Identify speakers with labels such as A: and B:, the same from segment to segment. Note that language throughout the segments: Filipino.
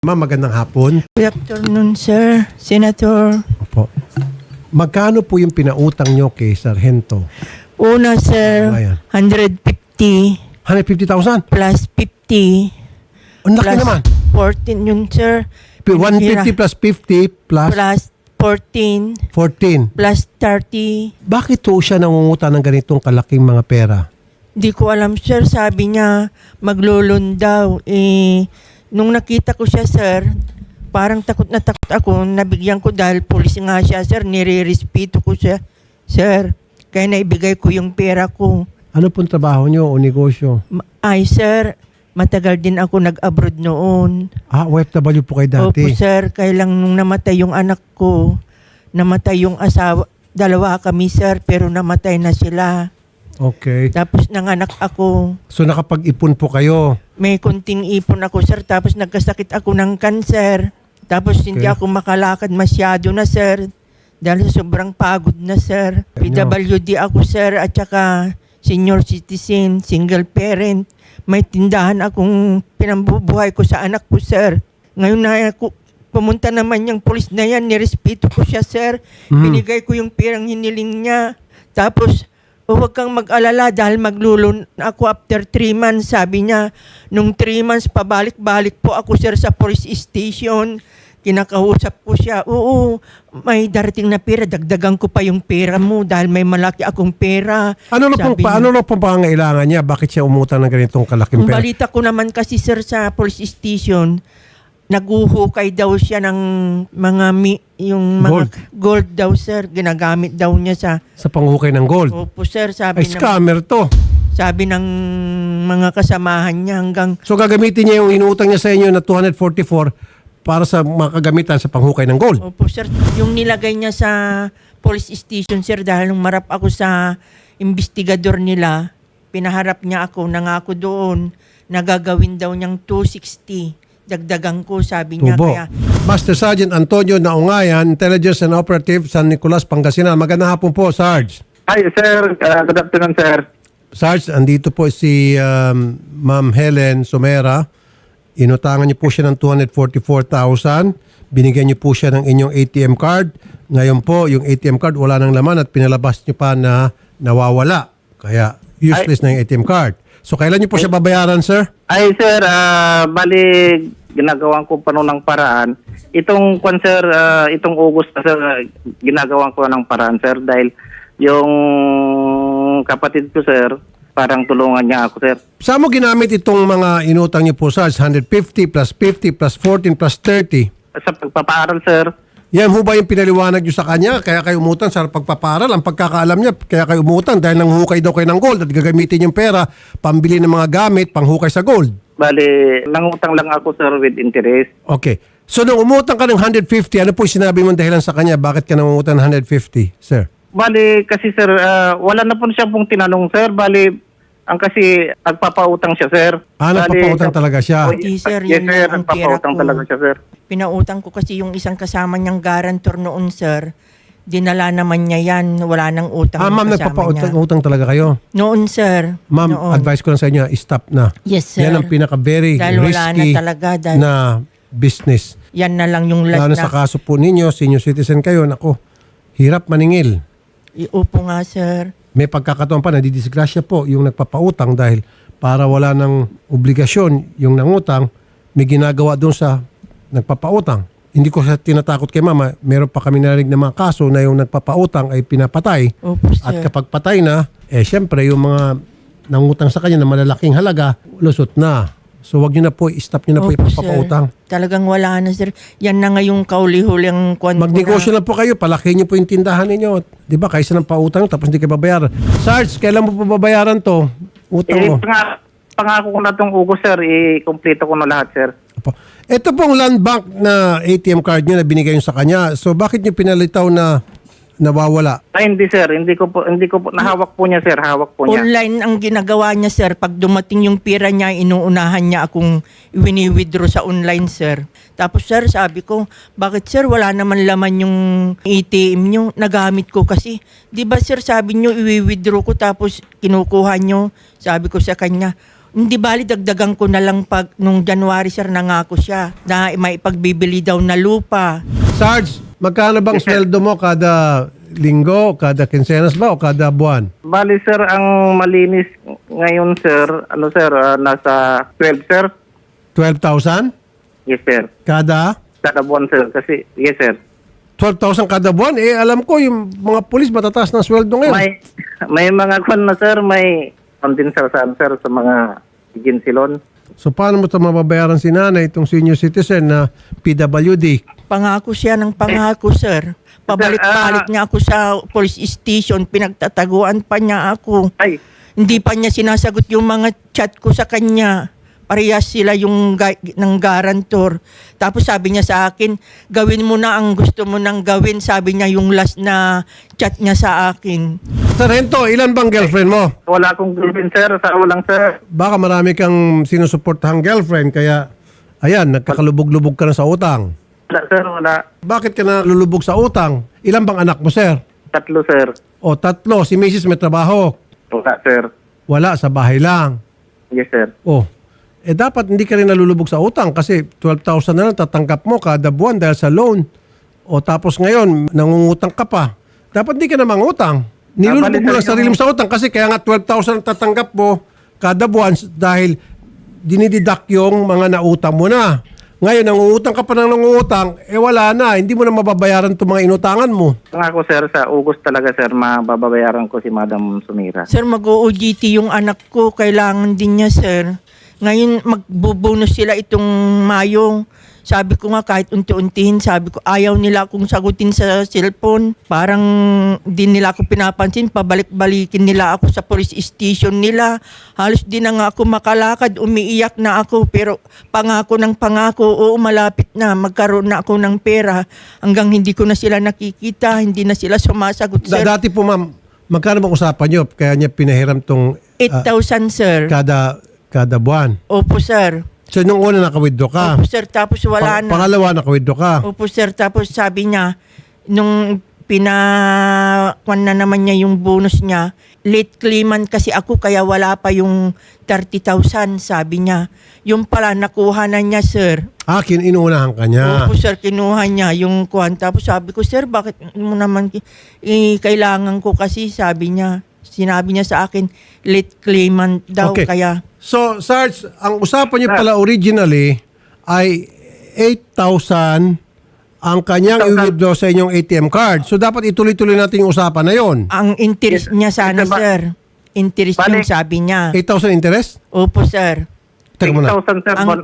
A: Ma'am, magandang hapon.
B: Good afternoon, sir. Senator.
A: Opo. Magkano po yung pinautang nyo kay Sargento?
B: Una, sir,
A: Ayan.
B: 150
A: 150,000?
B: plus 50
A: Ang laki
B: plus
A: naman.
B: 14 yun, sir.
A: 150 plus 50 plus
B: Plus 14
A: 14.
B: plus 30.
A: Bakit po siya nangungutang ng ganitong kalaking mga pera?
B: Di ko alam, sir. Sabi niya, maglulun daw. Nung nakita ko siya, sir, parang takot na takot ako. Nabigyan ko dahil pulis nga siya, sir. Nire-respeto ko siya, sir. Kaya naibigay ko yung pera ko.
A: Ano pong trabaho nyo o negosyo?
B: Ay, sir, matagal din ako nag-abroad noon.
A: OFW po kayo dati?
B: Opo, sir. Kaya lang nung namatay yung anak ko, namatay yung asawa. Dalawa kami, sir, pero namatay na sila.
A: Okay.
B: Tapos nanganak ako.
A: So nakapag-ipon po kayo?
B: May kunting ipon ako, sir. Tapos nagkasakit ako ng kanser. Tapos hindi
A: Okay.
B: ako makalakad masyado na, sir. Dahil sobrang pagod na, sir. PWD ako, sir. At saka senior citizen, single parent. May tindahan akong pinambubuhay ko sa anak ko, sir. Ngayon na ako, pumunta naman yung polis na yan. Nirespeto ko siya, sir. Binigay ko yung pirang hiniling niya. Tapos, huwag kang mag-alala dahil maglulun ako after 3 months. Sabi niya, nung 3 months, pabalik-balik po ako, sir, sa police station. Kinakausap ko siya, oo, may darating na pera, dagdagan ko pa yung pera mo dahil may malaki akong pera.
A: Ano na pong, paano na pong pangangailangan niya? Bakit siya umutang ng ganitong kalaking
B: Ang
A: pera?
B: balita ko naman kasi, sir, sa police station, naguhukay daw siya ng mga yung mga gold daw, sir. Ginagamit daw niya
A: Sa panghukay ng gold?
B: Opo, sir,
A: Ay, scammer to.
B: sabi ng mga kasamahan niya hanggang
A: So gagamitin niya yung inutang niya sa inyo na 244 para sa mga kagamitan sa panghukay ng gold.
B: opo, sir. Yung nilagay niya sa police station, sir, dahil nung marap ako sa investigador nila, pinaharap niya ako, nangako doon, nagagawin daw niyang 260. Dagdagan ko, sabi niya.
A: Tubo.
B: Kaya,
A: Master Sergeant Antonio Naungayan, Intelligence and Operative, San Nicolas, Pangasinan. Magandang hapon po, Sarge.
C: Hi, sir. Good afternoon, sir.
A: Sarge, andito po si Ma'am Helen Somera. Inutangan niyo po siya ng 244,000. Binigyan niyo po siya ng inyong ATM card. Ngayon po, yung ATM card wala nang laman at pinalabas niyo pa na nawawala. Kaya useless na yung ATM card. So, kailan niyo po siya babayaran, sir?
C: Ay, sir. Bali, ginagawan ko pa noon ng paraan. Itong, sir, itong August, sir, ginagawan ko ng paraan, sir. Dahil yung kapatid ko, sir, parang tulungan niya ako, sir.
A: Saan mo ginamit itong mga inutang niyo po, Sarge? 150 plus 50 plus 14 plus 30.
C: Sa pagpapaaral, sir.
A: Yan ho ba yung pinaliwanag nyo sa kanya? Kaya kayo umutang sa pagpapaaral? Ang pagkakaalam niya, kaya kayo umutang dahil nanghukay daw kayo ng gold at gagamitin yung pera, pambili ng mga gamit, panghukay sa gold.
C: Bali, nangutang lang ako, sir, with interest.
A: Okay. So nung umutang ka ng 150, ano po yung sinabi mong dahilan sa kanya? Bakit ka nangungutang ng 150, sir?
C: Bali, kasi, sir, wala na po siya pong tinanong, sir. Bali, ang kasi nagpapautang siya, sir.
A: Nagpapautang talaga siya.
B: Hindi, sir,
C: Yes,
B: yun
C: sir.
B: lang ang pera
C: Nagpapautang
B: ko.
C: talaga siya, sir.
B: Pinautang ko kasi yung isang kasama niyang guarantor noon, sir. Dinala naman niya yan. Wala nang utang
A: Ma'am,
B: yung kasama niya.
A: nagpapautang talaga kayo.
B: Noon, sir.
A: Ma'am,
B: Noon.
A: advice ko lang sa inyo, stop na.
B: Yes, sir.
A: Yan ang pinaka-very
B: Dahil wala na
A: risky
B: talaga. Dahil
A: na business.
B: yan na lang yung
A: Lalo
B: last
A: sa
B: na.
A: kaso po ninyo, senior citizen kayo, nako, hirap maningil.
B: Iupo nga, sir.
A: May pagkakataon pa, nadidisgrasya po yung nagpapautang dahil para wala ng obligasyon yung nangutang, may ginagawa doon sa nagpapautang. Hindi ko sa tinatakot kay mama, meron pa kami narinig na mga kaso na yung nagpapautang ay pinapatay.
B: Opo, sir.
A: At kapag patay na, syempre yung mga nangutang sa kanya na malalaking halaga, lusot na. So wag niyo na po, stop niyo na po
B: Opo,
A: ipapautang.
B: sir. Talagang wala na, sir. Yan na nga yung kauli-huling kwan ko
A: Magnegosyo
B: na.
A: lang po kayo, palaki niyo po yung tindahan ninyo. Di ba, kaysa ng pautang tapos hindi kayo babayaran. Sarge, kailan mo po babayaran to? Utang mo.
C: Pangako ko na itong August, sir. I-complete ko na lahat, sir.
A: Opo. Ito pong land bank na ATM card niyo na binigay niyo sa kanya. So bakit niyo pinalitaw na nawawala?
C: Ay, hindi, sir. Hindi ko po, nahawak po niya, sir. Hawak po niya.
B: Online ang ginagawa niya, sir. Pag dumating yung pira niya, inuunahan niya akong wini-withdraw sa online, sir. Tapos, sir, sabi ko, bakit, sir, wala naman laman yung ATM niyo? Nagamit ko kasi. Di ba, sir, sabi niyo, i-withdraw ko tapos kinukuha niyo. Sabi ko sa kanya, Hindi bali, dagdagan ko na lang pag nung January, sir, nangako siya na may ipagbibili daw na lupa.
A: Sarge, magkano bang sweldo mo kada linggo, kada kinsenas ba o kada buwan?
C: Bali sir, ang malinis ngayon sir, nasa 12 sir.
A: 12,000
C: Yes sir.
A: kada?
C: Kada buwan sir kasi, yes sir.
A: 12,000 kada buwan? Eh, alam ko yung mga pulis matataas ng sweldo ngayon.
C: May mga kwan na sir, may kondensar sir sa mga agency loan.
A: So paano mo ito mababayaran si nanay, itong senior citizen na PWD?
B: Pangako siya ng pangako, sir. Pabalik-balik niya ako sa police station, pinagtataguan pa niya ako.
C: Ay,
B: Hindi pa niya sinasagot yung mga chat ko sa kanya. Parehas sila yung ng garantor. Tapos sabi niya sa akin, gawin mo na ang gusto mo nang gawin. Sabi niya yung last na chat niya sa akin.
A: Sargento, ilan bang girlfriend mo?
C: wala akong girlfriend sir, sa ulang sir.
A: Baka marami kang sinusuportahang girlfriend, kaya ayan, nagkakalubog-lubog ka na sa utang.
C: Wala sir, wala.
A: Bakit ka na lulubog sa utang? Ilan bang anak mo, sir?
C: 3 sir.
A: O 3, si Mrs. may trabaho.
C: Wala sir.
A: Wala, sa bahay lang.
C: Yes sir.
A: O, dapat hindi ka rin nalulubog sa utang kasi 12,000 na lang tatanggap mo kada buwan dahil sa loan. O tapos ngayon, nangungutang ka pa. Dapat hindi ka na mangutang. Nilulubog mo lang sarili mo sa utang kasi kaya nga 12,000 ang tatanggap mo kada buwan dahil dinididak yung mga nautang mo na. Ngayon, nangungutang ka pa ng nangungutang, wala na. Hindi mo na mababayaran itong mga inutangan mo.
C: Pangako sir, sa August talaga sir, mababayaran ko si Madam Sumira.
B: Sir, mag-OJT yung anak ko. Kailangan din niya, sir. Ngayon, magbubonus sila itong Mayo. Sabi ko nga, kahit unti-untihin, sabi ko, ayaw nila akong sagutin sa cellphone. Parang din nila ako pinapansin. Pabalik-balikin nila ako sa police station nila. Halos din na nga ako makalakad. Umiiyak na ako. Pero pangako ng pangako, oo, malapit na. Magkaroon na ako ng pera. Hanggang hindi ko na sila nakikita. Hindi na sila sumasagot, sir.
A: Dati po, ma'am, magkano bang usapan nyo? Kaya niya pinahiram tong
B: 8,000, sir.
A: kada buwan.
B: Opo, sir.
A: So, nung una naka-withdraw ka.
B: Opo, sir. Tapos wala na.
A: Pangalawa, naka-withdraw ka.
B: Opo, sir. Tapos sabi niya, nung pinakuan na naman niya yung bonus niya, late claimant kasi ako kaya wala pa yung 30,000, sabi niya. Yung pala, nakuha na niya, sir.
A: Inuunahan ka niya.
B: Opo, sir. Kinuha niya yung kuwan. Tapos sabi ko, sir, bakit mo naman kailangan ko kasi, sabi niya. Sinabi niya sa akin, late claimant daw.
A: Okay.
B: Kaya
A: So, Sarge, ang usapan niyo pala originally ay 8,000 ang kanyang i-withdraw sa inyong ATM card. So, dapat ituloy-tuloy natin yung usapan na yon.
B: ang interest niya sana, sir. Interest yung sabi niya.
A: 8,000 interest?
B: Opo, sir.
A: Teka muna.
C: 6,000 sir.
B: Ang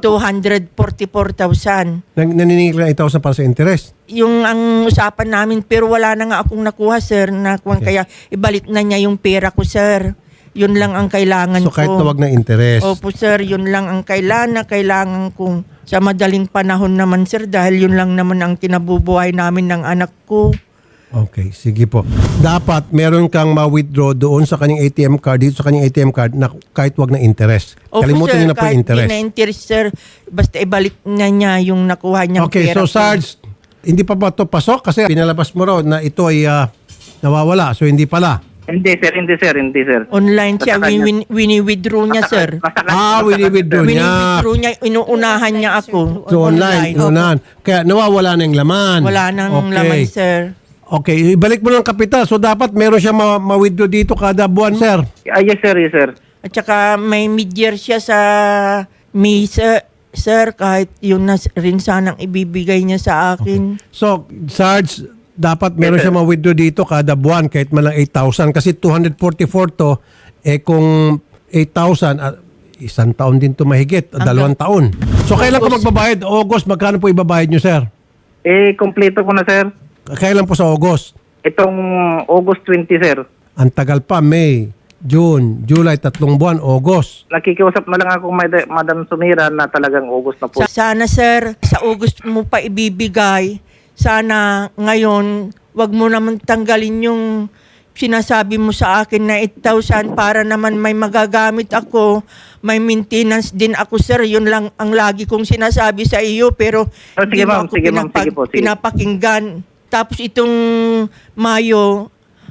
B: 244,000.
A: Naniningil ka ng 8,000 para sa interest.
B: Yung ang usapan namin, pero wala na nga akong nakuha, sir. Kaya ibalik na niya yung pera ko, sir. Yun lang ang kailangan
A: So,
B: ko.
A: kahit na wag na interest.
B: Opo, sir. Yun lang ang kailangan kong sa madaling panahon naman, sir. Dahil yun lang naman ang kinabubuhay namin ng anak ko.
A: Okay, sige po. Dapat meron kang ma-withdraw doon sa kanyang ATM card, dito sa kanyang ATM card na kahit wag na interest.
B: Opo,
A: Kalimutan
B: sir,
A: niyo na po yung
B: kahit
A: interest.
B: di na interest, sir. Basta ibalik na niya yung nakuha niyang
A: Okay,
B: pera
A: so
B: ko.
A: Sarge, hindi pa ba ito pasok? Kasi pinalabas mo raw na ito ay nawawala. So, hindi pala.
C: Hindi sir.
B: Online siya,
C: Basta kanya-
B: wini-withdraw niya, sir.
A: Wini-withdraw niya.
B: Wini-withdraw niya, inuunahan niya ako.
A: So, online. Unahan. Kaya nawawala na yung laman.
B: Wala nang
A: Okay.
B: laman, sir.
A: Okay, ibalik mo ng kapital. So, dapat meron siya ma-withdraw dito kada buwan, sir.
C: Yes sir.
B: At saka may mid-year siya sa May, sir, kahit yun na rin sanang ibibigay niya sa akin.
A: So, Sarge, dapat meron siya ma-withdraw dito kada buwan kahit man lang 8,000. Kasi 244 to, kung 8,000, isang taon din to mahigit, 2 taon. So, kailan ka magbabayad? August, magkano po ibabayad nyo, sir?
C: Kompleto ko na sir.
A: Kailan po sa August?
C: Itong August 20 sir.
A: Ang tagal pa, May, June, July, 3 buwan, August.
C: Nakikiusap na lang ako Madam Sumira na talagang August na po.
B: Sana, sir, sa August mo pa ibibigay. Sana ngayon, wag mo naman tanggalin yung sinasabi mo sa akin na 8,000 para naman may magagamit ako. May maintenance din ako, sir. Yun lang ang lagi kong sinasabi sa iyo. Pero
C: Sige, ma'am. Sige, ma'am. Sige po, sige.
B: pinapakinggan. Tapos itong Mayo,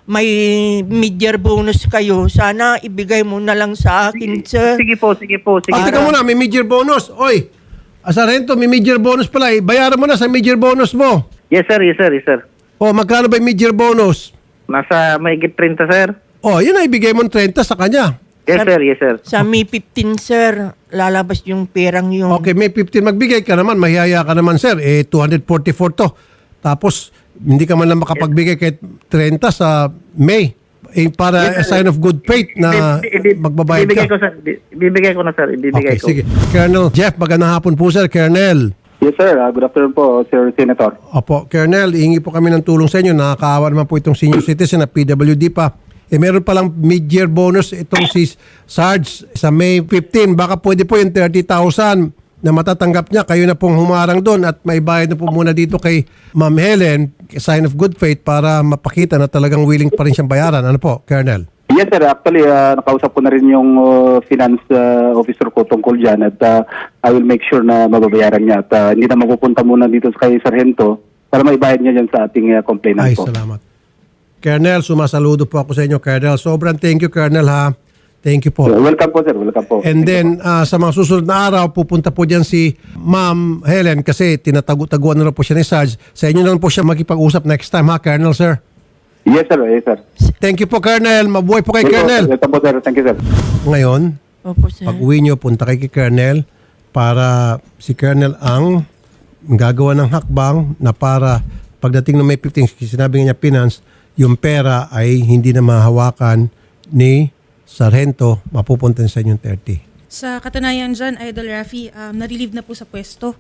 B: may mid-year bonus kayo, sana ibigay mo na lang sa akin, sir.
C: Sige po, sige po. Sige.
A: Teka muna, may mid-year bonus. Oy, Sargento, may mid-year bonus pala. Bayaran mo na sa mid-year bonus mo.
C: Yes sir, yes sir, yes sir.
A: O, magkano ba yung mid-year bonus?
C: Nasa mahigit 30 sir.
A: O, yun na, ibigay mo ng 30 sa kanya.
C: Yes sir, yes sir.
B: Sa May 15, sir, lalabas yung perang yung...
A: Okay, may 15 magbigay ka naman, mahiyaya ka naman, sir. 244 to. Tapos, hindi ka man lang makapagbigay kahit 30 sa May. Para a sign of good faith na magbabayad
C: Ibibigay
A: ka.
C: ko sir. Ibibigay ko na sir. Ibibigay
A: Okay,
C: ko.
A: sige. Colonel Jeff, magandang hapon po, sir. Colonel.
D: Yes, sir. Good afternoon po, Sir Senator.
A: Opo, Colonel, ihingi po kami ng tulong sa inyo. Nakakaawa naman po itong senior citizen na PWD pa. Meron palang mid-year bonus itong si Sarge sa May 15. Baka pwede po yung 30,000 na matatanggap niya. Kayo na pong humarang doon at may bayad na po muna dito kay Ma'am Helen, sign of good faith para mapakita na talagang willing pa rin siyang bayaran. Ano po, Colonel?
D: Yes, sir. Actually, nakausap ko na rin yung finance officer ko tungkol dyan at I will make sure na mababayaran niya at hindi na mapupunta muna dito kay Sargento para maibayad niya dyan sa ating complainant
A: Ay,
D: po.
A: salamat. Colonel, sumasaludo po ako sa inyo, Colonel. Sobrang thank you, Colonel, ha. Thank you po.
D: Welcome po, sir. Welcome po.
A: And then, sa mga susunod na araw, pupunta po dyan si Ma'am Helen kasi tinatago-taguan na po siya ni Sarge. Sa inyo na lang po siya makipag-usap next time, ha, Colonel, sir?
D: Yes, sir. Yes, sir.
A: Thank you po, Colonel. Mabuhay po kay Colonel.
D: Welcome po, sir. Thank you, sir.
A: Ngayon,
B: Opo, sir.
A: pag uwi nyo, punta kay Colonel para si Colonel ang gagawa ng hakbang na para pagdating ng May 15, sinabi nga niya finance, yung pera ay hindi na mahawakan ni Sargento, mapupunta sa inyong 30.
E: Sa katunayan dyan, Idol Rafi, na-relieve na po sa pwesto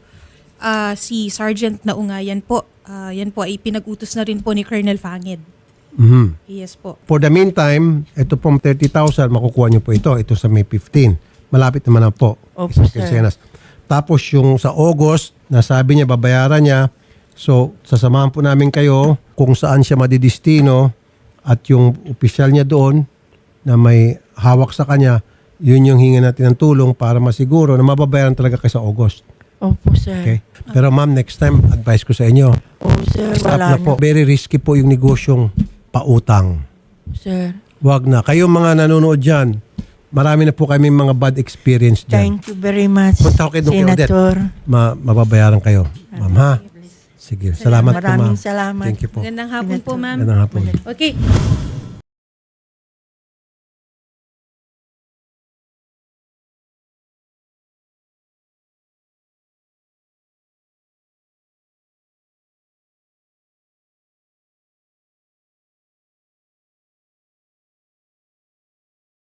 E: si Sergeant Naungayan po. Yan po ay pinag-utos na rin po ni Colonel Fanged.
A: Mhm.
E: Yes po.
A: For the meantime, ito pong 30,000, makukuha nyo po ito. Ito sa May 15. Malapit naman na po.
B: Opo,
A: Isang
B: sir.
A: quincenas. Tapos yung sa August, nasabi niya babayaran niya. So, sasamahan po namin kayo kung saan siya madidistino at yung opisyal niya doon na may hawak sa kanya, yun yung hinga natin ng tulong para masiguro na mababayaran talaga kayo sa August.
B: Opo, sir.
A: Okay? Pero ma'am, next time, advice ko sa inyo,
B: Opo, sir.
A: stop
B: Wala
A: na po. Very risky po yung negosyong pautang.
B: Sir.
A: Wag na. Kayong mga nanonood dyan, marami na po kami mga bad experience dyan.
B: Thank you very much,
A: Punta ko kay Dr. Odette.
B: Senator.
A: Mababayaran kayo. Ma'am, ha? Sige. Salamat po, ma'am.
B: Maraming salamat.
A: Thank you po.
E: Magandang hapon po, ma'am.
A: Magandang hapon.
E: Okay.